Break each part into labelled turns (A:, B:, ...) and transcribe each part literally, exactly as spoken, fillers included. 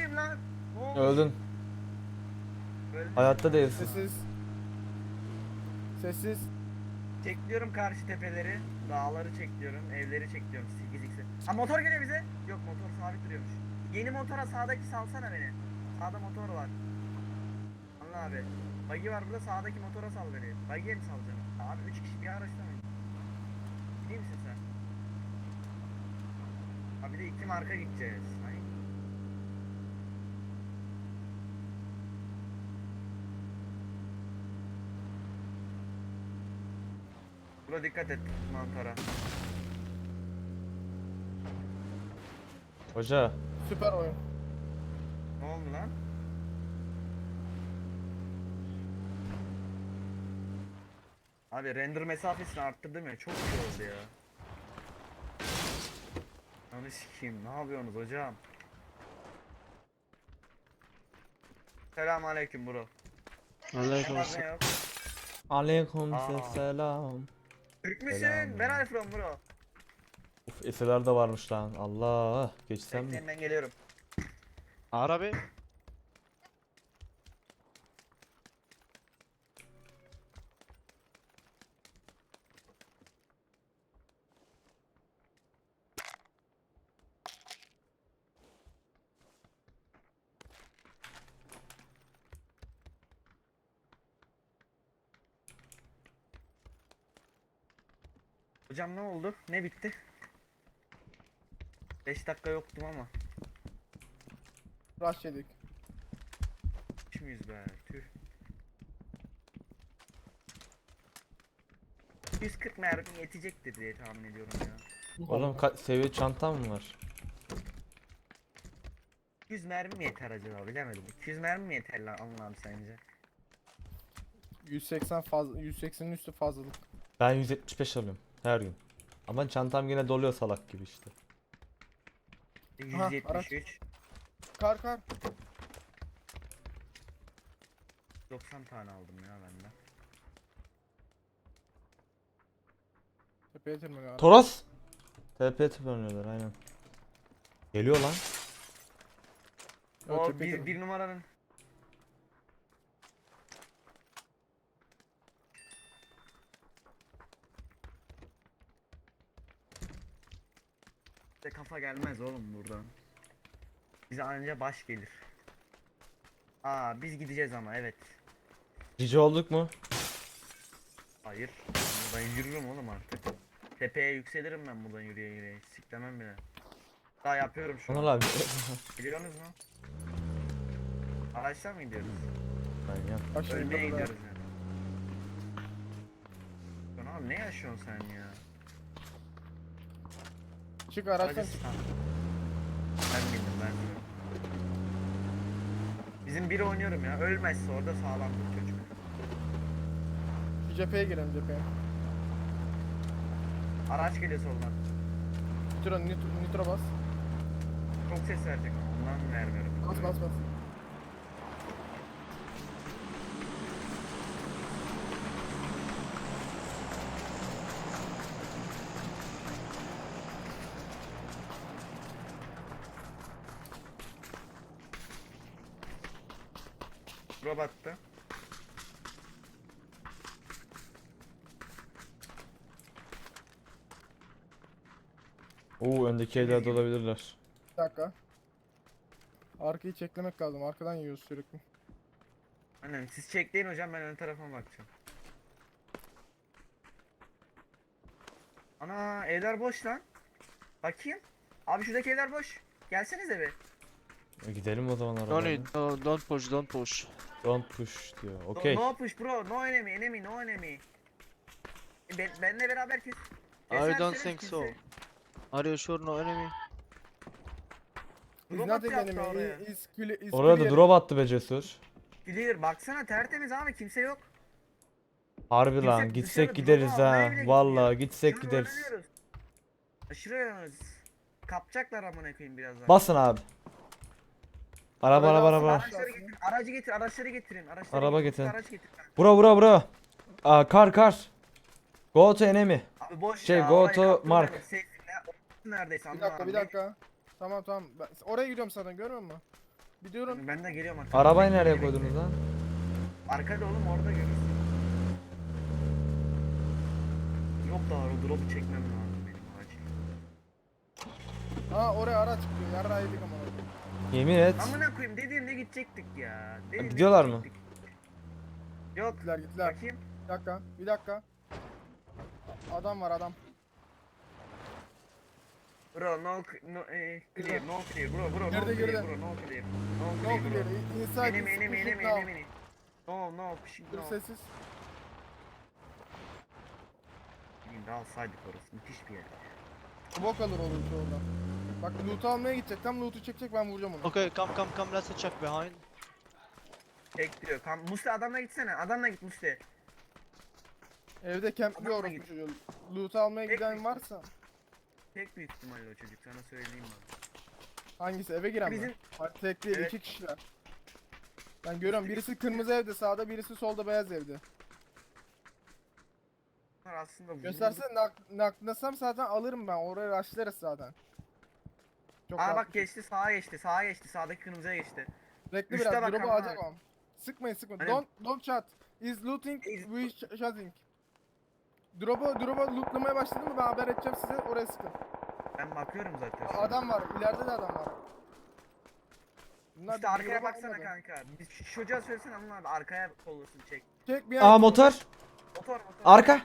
A: Neredeyim lan? Ne olmuş?
B: Öldün.
A: Öldüm.
B: Hayatta değilsin.
C: Sessiz. Sessiz.
A: Çekliyorum karşı tepeleri. Dağları çekliyorum. Evleri çekliyorum. sekiz x'i. Ha motor geliyor bize. Yok motor sabit duruyormuş. Yeni motora sağdaki salsana beni. Sağda motor var. Allah abi. Buggy var burada sağdaki motora sal beni. Buggy'e mi salacaksın? Abi üç kişi bir araçta mı? Değil misin sen? Abi de iki marka gideceğiz. Ay. Buna dikkat et mantara.
B: Hoca.
C: Süper oyun.
A: Ne oldu lan? Abi render mesafesini arttırdım ya çok iyi oldu ya. Onu sikeyim ne yapıyorsunuz hocam? Selamünaleyküm bro.
D: Aleyküm
A: Ne var ne yok?
B: Aleyküm
A: Aa.
B: selam.
A: Türk müsün?
B: Selam.
A: Where are you from bro?
B: Uf eseler de varmış lan. Allah. Geçsem mi?
A: Bekleyin ben geliyorum.
D: Arabi.
A: Hocam ne oldu? Ne bitti? beş dakika yoktum ama.
C: Rush yedik.
A: Üç müyüz be? Tüh. yüz kırk mermi yetecektir diye tahmin ediyorum ya.
B: Oğlum ka- seviye çantam mı var?
A: yüz mermi mi yeter acaba bilemedim. iki yüz mermi mi yeter lan Allah'ım sence?
C: yüz seksen fazla, yüz seksenin üstü fazlalık.
B: Ben yüz yetmiş beş alıyorum her gün. Ama çantam yine doluyor salak gibi işte.
C: Aha,
A: yüz yetmiş üç.
C: Kar kar.
A: doksan tane aldım ya benden.
C: Tepeye tırmanıyor.
B: Toros. T P tıklanıyorlar aynen. Geliyor lan.
C: Evet,
A: O
C: tepeye
A: bir,
C: tırmanıyor.
A: bir numaranın. Bize kafa gelmez oğlum buradan. Bize anca baş gelir. Aa biz gideceğiz ama evet.
B: Cici olduk mu?
A: Hayır. Ben yürürüm oğlum artık. Tepeye yükselirim ben buradan yürüye yürüye. Siklemem bile. Daha yapıyorum şu
B: Anıl
A: an.
B: abi.
A: Biliyorsunuz mu? Araçtan mı gidiyoruz?
B: Ben ya.
C: Bak şimdi
A: Ölmeye
C: burada da-
A: gidiyoruz yani. Lan abi ne yaşıyorsun sen ya?
C: Çık araçtan
A: Aracı
C: çık.
A: Ha. Ben bildim ben. Bizim biri oynuyorum ya. Ölmezse orada sağlamdır çocuk.
C: Şu cepheye girelim cepheye.
A: Araç geliyor soldan.
C: Nitro, nitro, nitro bas.
A: Çok ses verecek ama ondan vermiyorum.
C: Bas bas bas.
A: Robotta.
B: Oo öndeki evler de olabilirler.
C: Bir dakika. Arkayı çeklemek lazım. Arkadan yiyoruz sürekli.
A: Aynen siz çekleyin hocam ben ön tarafa bakacağım. Ana evler boş lan. Bakayım. Abi şuradaki evler boş. Gelsenize bir.
B: E, gidelim o zaman
D: No
B: arabayla.
D: need. No, don't push. Don't push.
B: Don't push diyor.
A: No-
B: Okey.
A: No push bro. No enemy. Enemy. No enemy. E, Ben, benle beraber kes.
D: I don't
A: keserseniz
D: think so.
A: kimse-
D: Are you sure no enemy?
C: Is
A: Robot
C: nothing
A: yaptı
C: enemy.
A: oraya.
C: Is clear. Is
B: Oraya da
C: clear.
B: drop attı be Cesur.
A: Clear. Baksana tertemiz abi kimse yok.
B: Harbi
A: Kimse
B: lan
A: dışarı
B: gitsek
A: drop
B: gideriz
A: almaya
B: ha.
A: bile
B: Vallahi
A: gitmiyor.
B: gitsek
A: Şunu
B: gideriz.
A: öğreniyoruz. Aşırı öğreniyoruz. Kapacaklar amına koyayım birazdan.
B: Basın abi. Araba
C: Oraya
B: araba
C: alsın,
B: araba.
C: aşağı.
A: Araçları getir, aracı getir, araçları getirin. Araçları
B: Araba
A: getir,
B: getirin.
A: Araç getir.
B: Bura bura bura. Aa, kar kar. Go to enemy.
A: Abi boş
B: Şey,
A: ya.
B: go
A: orayı
B: to
A: kaptırma
B: mark.
A: beni, safe'le. Orası neredeyse
C: Bir
A: anla
C: dakika
A: abi.
C: bir dakika. Tamam tamam. Ben, oraya gidiyorum zaten görüyor musun? Bir durun.
A: Ben de geliyorum arkadaşlar.
B: Arabayı
A: Bekle,
B: nereye
A: bekle.
B: koydunuz lan?
A: Arkada oğlum orada görürsün. Yok da o drop'u çekmem lazım benim acil.
C: Aa oraya araç çıkıyor. Yarrağı yedik ama.
B: Yemin et.
A: Amına koyayım dediğimde gidecektik ya. Dediğimde
B: gidiyorlar mı?
A: gidecektik. Yok.
C: Gittiler gittiler.
A: Bakayım.
C: Bir dakika. Bir dakika. Adam var adam.
A: Bro no no eh, clear no clear bro bro no
C: Girdi,
A: clear
C: girdi.
A: bro no clear. No
C: Ne
A: clear
C: oldu
A: bro.
C: geri? Inside
A: Enemy
C: is
A: enemy
C: pushing
A: enemy
C: now.
A: enemy. No no pushing
C: Dur
A: no.
C: sessiz.
A: Bileyim de alsaydık orası müthiş bir yer.
C: Bok alır olur orada. Bak loot'u almaya gidecek. Tam loot'u çekecek ben vuracağım onu.
D: Okay, come, come, come. Let's check behind.
A: Tek diyor. Kam Musti adamla gitsene. Adamla git Musti.
C: Evde campliyor
A: Adamla
C: orası
A: git.
C: çocuğu. Loot'u almaya
A: Tek
C: giden
A: mi?
C: varsa.
A: Tek büyük ihtimalle o çocuk sana söyleyeyim ben.
C: Hangisi? Eve giren
A: Bizim-
C: mi? Hayır, tek değil,
A: Evet.
C: iki kişiler. Ben görüyorum birisi kırmızı evde sağda, birisi solda beyaz evde.
A: Bunlar aslında vuruldu.
C: Göstersene nak naklasam zaten alırım ben. Oraya rushlarız zaten. Çok
A: Aa
C: rahat
A: bak
C: bir şey.
A: geçti sağa geçti sağa geçti sağdaki kırmızıya geçti.
C: Bekle
A: Üste
C: biraz.
A: bak
C: Drop'u
A: ama.
C: alacak ama. Sıkmayın sıkmayın.
A: Hani-
C: Don't don't shot. Is looting
A: Is-
C: we sh shooting. Drop'u drop'u lootlamaya başladı mı ben haber edeceğim size, oraya sıkın.
A: Ben bakıyorum zaten.
C: Aa,
A: şu an.
C: adam var. İleride de adam var. Bunlar
A: İşte arkaya
C: drop'u
A: baksana
C: almadı.
A: kanka. Biz şu çocuğa söylesene Anıl abi arkaya kollasın çek.
C: Çek bir
B: Aa
C: an-
B: motor.
A: Motor motor.
B: Arka.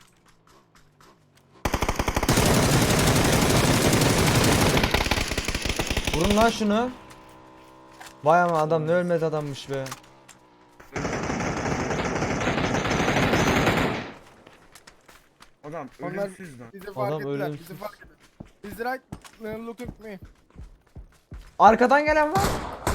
B: Vurun lan şunu. Vay ama adam ne ölmez adammış be.
A: Adam
C: Onlar
A: ölümsüz lan.
C: bizi fark
B: Adam
C: ettiler.
B: ölümsüz.
C: Bizi fark ettiler. Is right uh, looking at me.
B: Arkadan gelen var.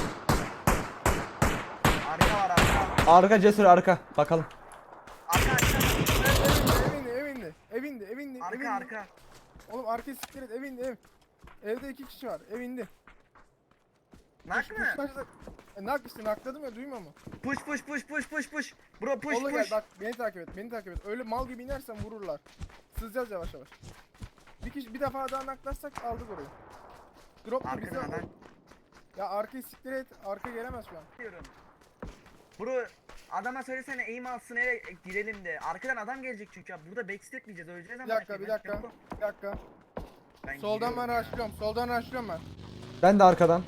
A: Arka var arka.
B: Arka cesur arka. Bakalım.
A: Arka arka.
C: Evinde, evinde, evinde, evinde, evinde.
A: Arka arka.
C: Oğlum arkayı siktir et, evinde, ev. Evde iki kişi var, evinde.
A: Nak mı?
C: E, nak işte, nakladım ya, duymuyor mu?
A: Push push push push push push. Bro push
C: Oğlum gel
A: push.
C: bak, beni takip et, beni takip et. Öyle mal gibi inersen vururlar. Sızacağız yavaş yavaş. Bir kişi bir defa daha naklarsak aldık orayı. Drop mu bize?
A: Arkadan adam.
C: Ya arkayı siktir et, arka gelemez şu an.
A: Diyorum. Bro adama söylesene aim alsın eve girelim de. Arkadan adam gelecek çünkü ya. Burada backstep diyeceğiz öleceğiz ama.
C: Bir dakika, bir dakika, bir dakika.
A: Ben
C: Soldan
A: giriyorum
C: ben
A: ya.
C: rushlıyorum, soldan rushlıyorum ben.
B: Ben de arkadan.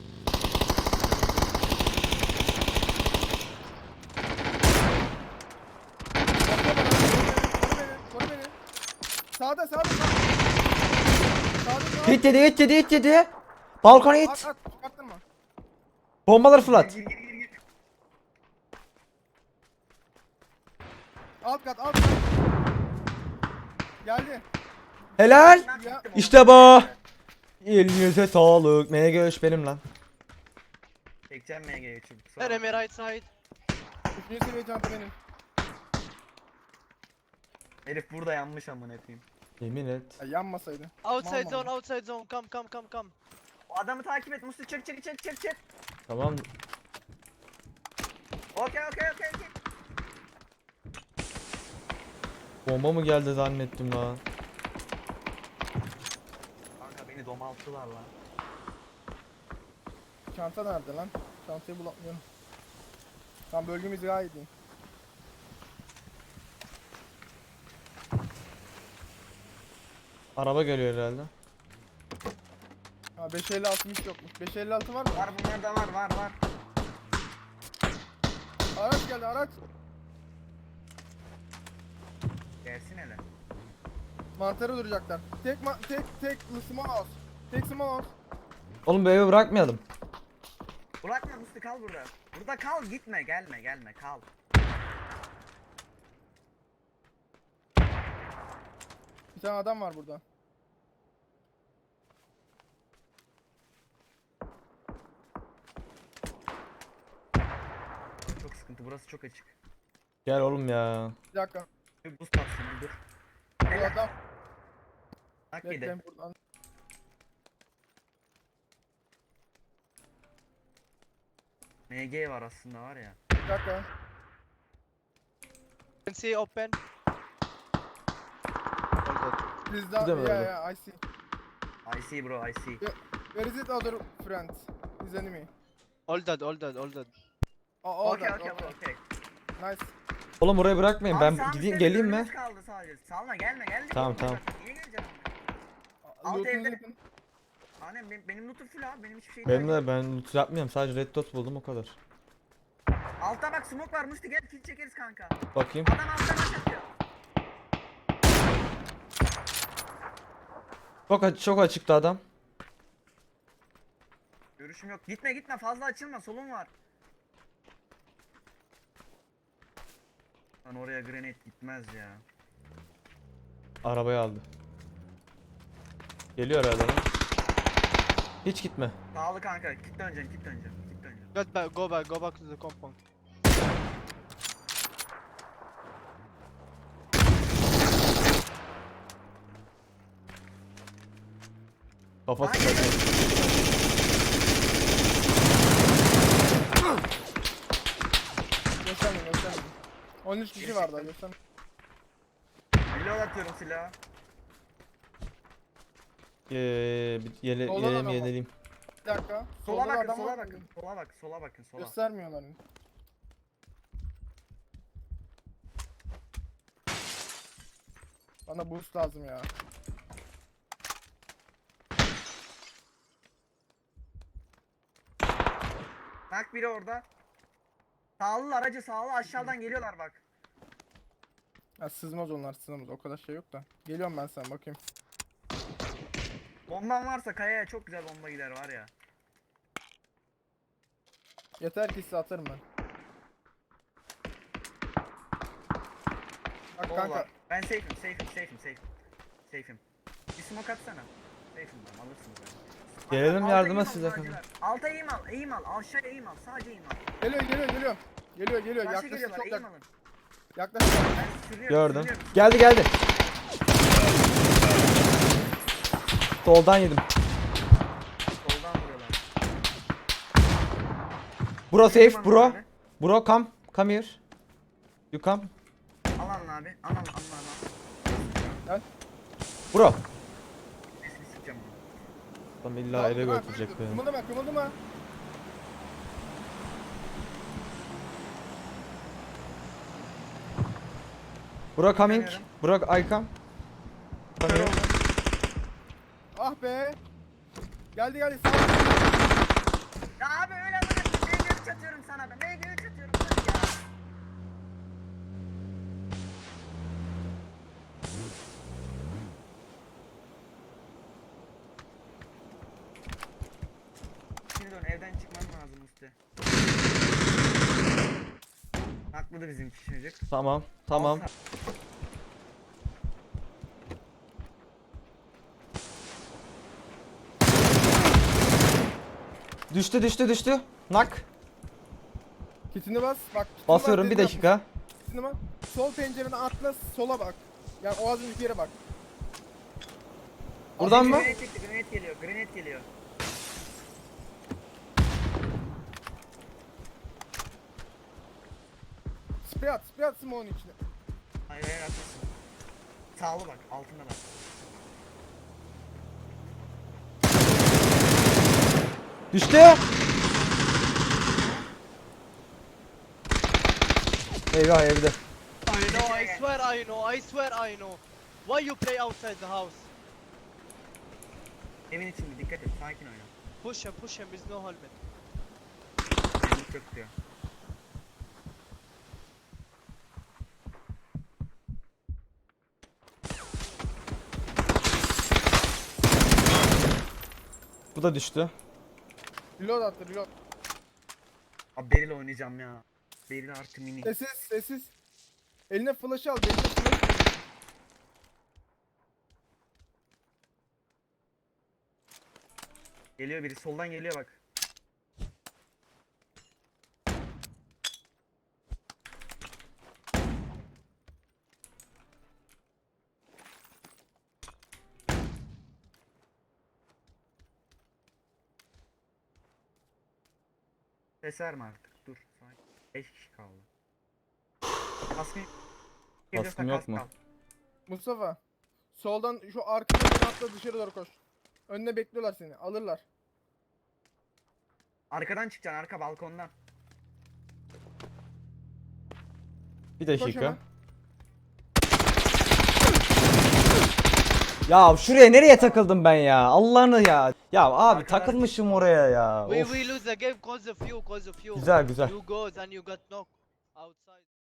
C: Koru beni, koru beni. Sağda, sağda, sağda. Sağda, sağda.
B: Hit yedi hit yedi hit yedi. Balkona
C: At,
B: hit.
C: at, çıkarttırma.
B: Bombaları fırlat.
A: Gir, gir, gir, gir.
C: Alt kat, alt kat. Geldi.
B: Helal.
A: Nak
C: Ya-
A: gittim
B: İşte
A: oğlum.
B: bu. Elinize sağlık. Neye göğüş benim lan.
A: Çekeceğim M G'yi çocuk. sağ ol.
D: Enemy right side.
C: Üçüncü seviye çanta benim.
A: Herif burada yanmış amına koyayım.
B: Yemin et.
C: Ya yanmasaydı.
D: Outside
C: Mal
D: zone,
C: mal.
D: outside zone. Come, come, come, come.
A: O adamı takip et Musti çık çık çık çık çık.
B: Tamam.
A: Okey okey okey okey.
B: Bomba mı geldi zannettim lan.
A: Kanka beni domalttılar lan.
C: Çanta nerede lan? Çantayı bulamıyorum. Tam bölgemiz gayet iyi.
B: Araba geliyor herhalde.
C: Ha beş elli altı hiç yokmuş. beş elli altı var mı?
A: Var bunlarda var var var.
C: Araç geldi, araç.
A: Gelsin hele.
C: Mantarı duracaklar. Tek ma tek tek small house. Tek small house.
B: Oğlum bu evi bırakmayalım.
A: Bırakma Musti kal burada. Burada kal gitme gelme gelme kal.
C: Bir tane adam var burada.
A: Çok sıkıntı burası çok açık.
B: Gel oğlum ya.
C: Bir dakika.
A: Bir buz tatsın bir dur.
C: Bu
A: Helal.
C: adam.
A: Hak yedi.
C: Bekleyin buradan.
A: M G var aslında var ya.
C: Bir dakika.
D: Can see open. All good.
C: Please
B: Bir
C: down.
B: de mi
C: Yeah
B: öyle?
C: yeah I see.
A: I see bro I see.
C: Where is it other friend? His enemy.
D: All dead, all dead, all dead.
C: Aa, all
A: Okey
C: that,
A: okey
C: okay.
A: okey.
C: Nice.
B: Oğlum orayı bırakmayın.
A: Abi
B: Ben
A: sağ
B: gideyim
A: üstte
B: geleyim mi?
A: bölümümüz kaldı sadece. Salma gelme geldik.
B: Tamam,
A: oğlum,
B: tamam.
A: bak, Niye geleceksin?
C: Aa,
A: Alt
C: lootunuzu
A: evde-
C: yapın.
A: Annem benim, benim lootum full abi. Benim hiçbir şeyim
B: Benim
A: yok.
B: de ben loot yapmıyorum. Sadece red dot buldum o kadar.
A: Altta bak smoke var. Musti gel kill çekeriz kanka.
B: Bakayım.
A: Adam alttan aç atıyor.
B: Çok aç çok açıktı adam.
A: Görüşüm yok. Gitme gitme fazla açılma. Solun var. Lan oraya grenade gitmez ya.
B: Arabayı aldı. Geliyor herhalde lan. Hiç gitme.
A: Sağlı kanka. Git döneceksin git döneceksin. Git döneceksin.
D: Get back, go back, go back to the compound.
B: Kafası
A: Hayır.
B: kaçıyor.
C: Göstermeyin göstermeyin. on üç kişi var daha göstermeyin.
A: Reload atıyorum silahı.
B: Ee, bir yele,
C: Soldan
B: yeleyim
C: adam var.
B: yenileyim.
C: Bir dakika.
A: Sola
C: Solda da
A: bakın
C: adam
A: sola
C: var.
A: bakın. Sola bak sola bakın sola.
C: Göstermiyorlar. Bana boost lazım ya.
A: Bak biri orada. Sağlı aracı sağlı aşağıdan geliyorlar bak.
C: Ya sızmaz onlar sızmaz o kadar şey yok da. Geliyorum ben sana bakayım.
A: Bomban varsa kayaya çok güzel bomba gider var ya.
C: Yeter ki size atarım ben. Bak
A: Bol
C: kanka.
A: var. Ben safe'im safe'im safe'im safe'im. Safe'im. Bir smoke atsana. Safe'im ben alırsınız ben.
B: Gelelim
A: Alta
B: yardıma
A: eğim al
B: size
A: sağcılar. Alta eğim al eğim al aşağıya eğim al sadece eğim al.
C: Geliyor geliyor geliyor. Geliyor geliyor
A: Karşı
C: yaklaşık
A: geliyorlar
C: çok
A: eğim
C: yak
A: alın.
C: yaklaşık.
A: Ben sürüyorum
B: Gördüm.
A: sürüyorum.
B: Geldi geldi. Soldan yedim.
A: Soldan vuruyorlar.
B: Bro
A: Eğim
B: safe
A: alın
B: bro.
A: abi.
B: Bro come. Come here. You come.
A: Al alın abi. Al al al al.
B: Bro.
A: Sesini sikeceğim onu.
B: Tam illa eve götürecek beni.
C: Kımıldama kımıldama.
B: Bro coming.
A: Geliyorum.
B: Bro I come. Come here.
C: Ah be. Geldi geldi sağ ol.
A: Ya abi öyle bana M G üç atıyorum sana ben. M G üç atıyorum sana ya. Şimdi dön evden çıkman lazım Musti. Haklıdır bizim çocuk.
B: Tamam. Tamam.
A: Alsa-
B: Düştü düştü düştü. Nak.
C: Kitini bas bak. kitini
B: Basıyorum
C: bas,
B: bir
C: dediğini
B: dakika.
C: yap. Kitini bas. Sol pencereden atla sola bak. Yani o az önceki yere bak.
B: Buradan mı?
A: Grenade çekti, grenade geliyor, grenade geliyor.
C: Spray at spray at smoke'un içine.
A: Hayır hayır haklısın. Sağlı bak, altında bak.
B: Düştü. Eyvah evde.
D: I know, I swear I know, I swear I know. Why you play outside the house?
A: Evin içinde dikkat et, sakin oyna.
D: Push him, push him, with no helmet.
A: Evlilik yok diyor.
B: Bu da düştü.
C: Reload attı reload.
A: Abi Beril oynayacağım ya. Beril artı mini.
C: Sessiz sessiz. Eline flash al. Eline flash.
A: Geliyor biri, soldan geliyor bak. Ses verme artık, dur. beş kişi kaldı. Kaskın
B: Kaskım yok mu?
C: Mustafa. Soldan şu arkadan atla dışarı doğru koş. Önüne bekliyorlar seni. Alırlar.
A: Arkadan çıkacaksın, arka balkondan.
B: Bir
C: Koş
B: dakika.
C: hemen.
B: Ya şuraya nereye takıldım ben ya? Allah'ını ya. Ya abi
A: Arkadan-
B: takılmışım oraya ya.
D: We
B: Of.
D: we lose the game cause of you, cause of you.
B: Güzel güzel.
D: You goes and you got knocked outside.